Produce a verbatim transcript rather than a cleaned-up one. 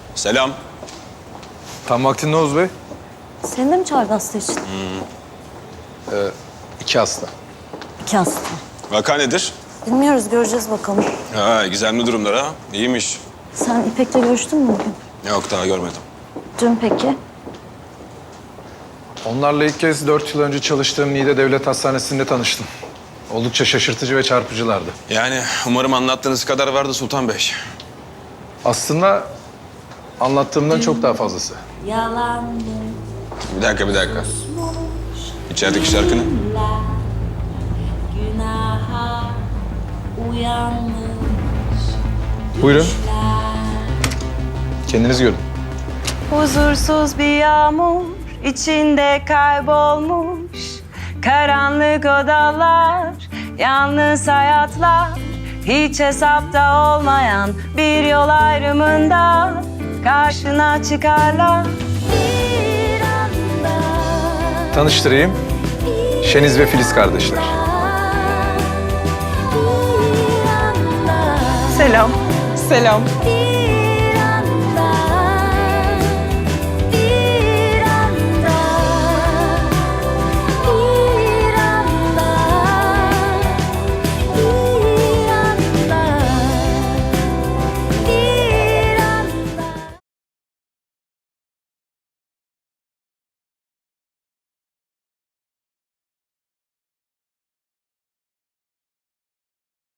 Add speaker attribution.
Speaker 1: Selam.
Speaker 2: Tam vaktinde Oğuz Bey.
Speaker 3: Seni de mi çağırdı hasta için?
Speaker 2: İki hasta.
Speaker 3: İki hasta.
Speaker 1: Vaka nedir?
Speaker 3: Bilmiyoruz, göreceğiz bakalım.
Speaker 1: Ha, gizemli durumlar ha. İyiymiş.
Speaker 3: Sen İpek'le görüştün mü bugün?
Speaker 1: Yok, daha görmedim.
Speaker 3: Dün peki?
Speaker 2: Onlarla ilk kez dört yıl önce çalıştığım Niğde Devlet Hastanesi'nde tanıştım. Oldukça şaşırtıcı ve çarpıcılardı.
Speaker 1: Yani umarım anlattığınız kadar vardı Sultan Bey.
Speaker 2: Aslında anlattığımdan çok daha fazlası.
Speaker 3: Yalanmış.
Speaker 1: Bir dakika, bir dakika. İçerideki şarkı ne?
Speaker 3: Günaha uyanmış.
Speaker 2: Buyurun. Kendiniz görün.
Speaker 4: Huzursuz bir yağmur içinde kaybolmuş. Karanlık odalar, yalnız hayatlar. Hiç hesapta olmayan bir yol ayrımında karşına çıkarlar. Bir anda
Speaker 2: Tanıştırayım. Şeniz ve Filiz kardeşler.
Speaker 4: Selam. Selam.
Speaker 3: Bir